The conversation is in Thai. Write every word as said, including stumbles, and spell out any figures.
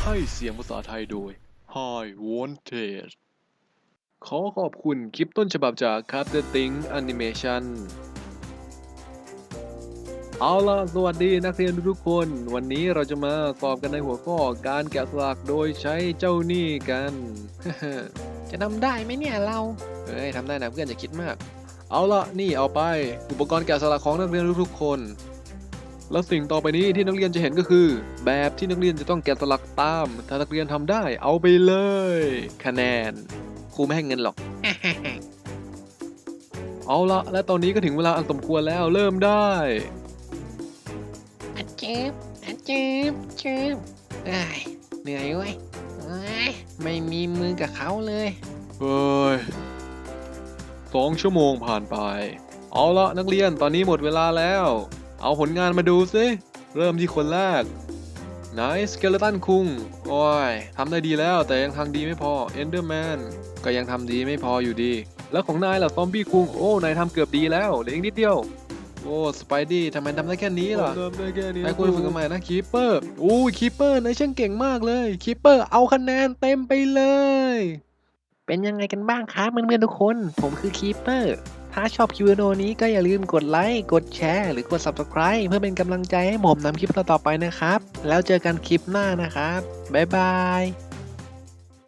ให้เสียงภาษาไทยโดย Hi Wanted ขอขอบคุณคลิปต้นฉบับจาก Captain Think Animation เอาล่ะสวัสดีนักเรียนทุกคน วันนี้เราจะมาสอบกันในหัวข้อการแกะสลักโดยใช้เจ้านี่กันจะทำได้ไหมเนี่ยเราเฮ้ยทำได้นะเพื่อนอย่าคิดมาก เอาล่ะนี่เอาไปอุปกรณ์แกะสลักของนักเรียนทุกๆคน แล้วสิ่งต่อไปนี้ที่นักเรียนจะเห็นก็คือ แบบที่นักเรียนจะต้องแกะสลักตาม ถ้านักเรียนทำได้เอาไปเลย คะแนนครูไม่ให้เงินหรอก เอาละและตอนนี้ก็ถึงเวลาอันสมควรแล้วเริ่มได้อาเจ็บอาเจ็บเจ็บเอ้ยเหนื่อยเว้ยเอ้ยไม่มีมือกับเขาเลยเฮ้ยสองชั่วโมงผ่านไป เอาละนักเรียนตอนนี้หมดเวลาแล้ว เอาผลงานมาดูสิเริ่มที่คนแรกไนสเกเลตันคุงโอ้ยทำได้ดีแล้วแต่ยังทำดีไม่พอเอนเดอร์แมนก็ยังทำดีไม่พออยู่ดี แล้วของนายล่ะซอมบี้คุงโอ้นายทำเกือบดีแล้วเหลืออีกนิดเดียวโอ้สไปดี้ทำไมทำได้แค่นี้ล่ะทำได้แค่นี้นายควรฝึกกันใหม่นะคีปเปอร์อู้คีปเปอร์นายช่างเก่งมากเลยคีปเปอร์เอาคะแนนเต็มไปเลยเป็นยังไงกันบ้างครับเพื่อนๆทุกคน ผมคือคีปเปอร์ ถ้าชอบคลิปวิดีโอนี้ก็อย่าลืมกดไลค์ กดแชร์ หรือกด ซับสไครบ์ เพื่อเป็นกำลังใจให้ผมนำคลิปต่อๆไปนะครับ แล้วเจอกันคลิปหน้านะครับ บ๊ายบาย